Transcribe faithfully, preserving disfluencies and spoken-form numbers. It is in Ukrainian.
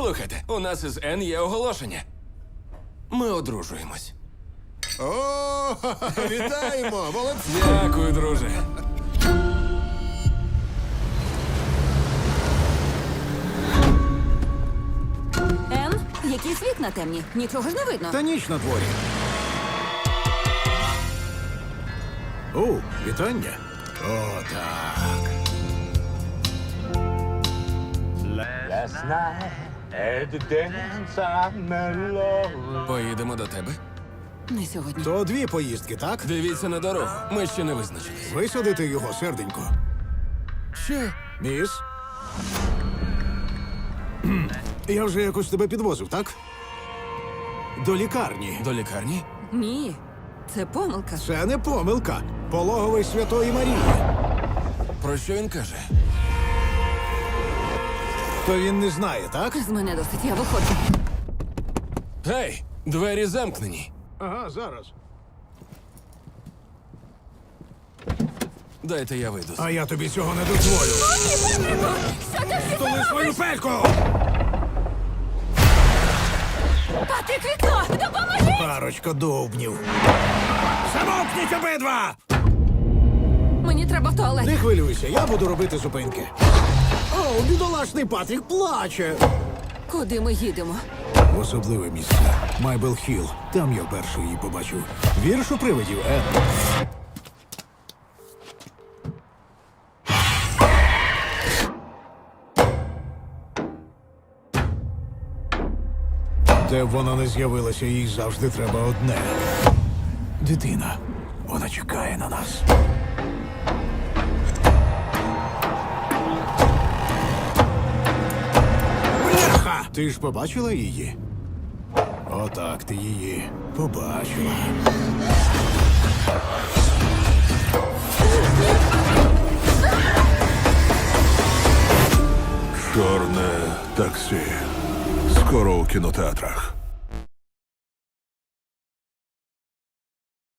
Слухайте, у нас із Ен є оголошення. Ми одружуємось. О, вітаємо! Молодці! Дякую, друже. Ен, якісь вікна темні. Нічого ж не видно. Та ніч на дворі. О, вітання. О, так. Last night at the dance I met love. Поїдемо до тебе. Не сьогодні. То дві поїздки, так? Дивіться на дорогу. Ми ще не визначились. Висадити його, серденько. Що? Міс? Кхм. Я вже якось тебе підвозив, так? До лікарні. До лікарні? Ні, це помилка. Це не помилка. Пологовий Святої Марії. Про що він каже? То він не знає, так? З мене досить, я виходжу. Гей, двері замкнені. Ага, зараз. Дайте я вийду. А я тобі цього не дозволю. Що ти всі Столи свою пельку! Патрік, вікно! Допоможи! Парочка довбнів. Замовкніть обидва! Мені треба в туалет. Не хвилюйся, я буду робити зупинки. О, бідолашний Патрік плаче. Куди ми їдемо? В особливе місце. Майбел Хілл. Там я перший її побачив. Вірш у привидів, Ен? Де б вона не з'явилася, їй завжди треба одне. Дитина. Вона чекає на нас. Бляха! Ти ж побачила її? Отак ти її побачила. Чорне таксі. Скоро у кінотеатрах.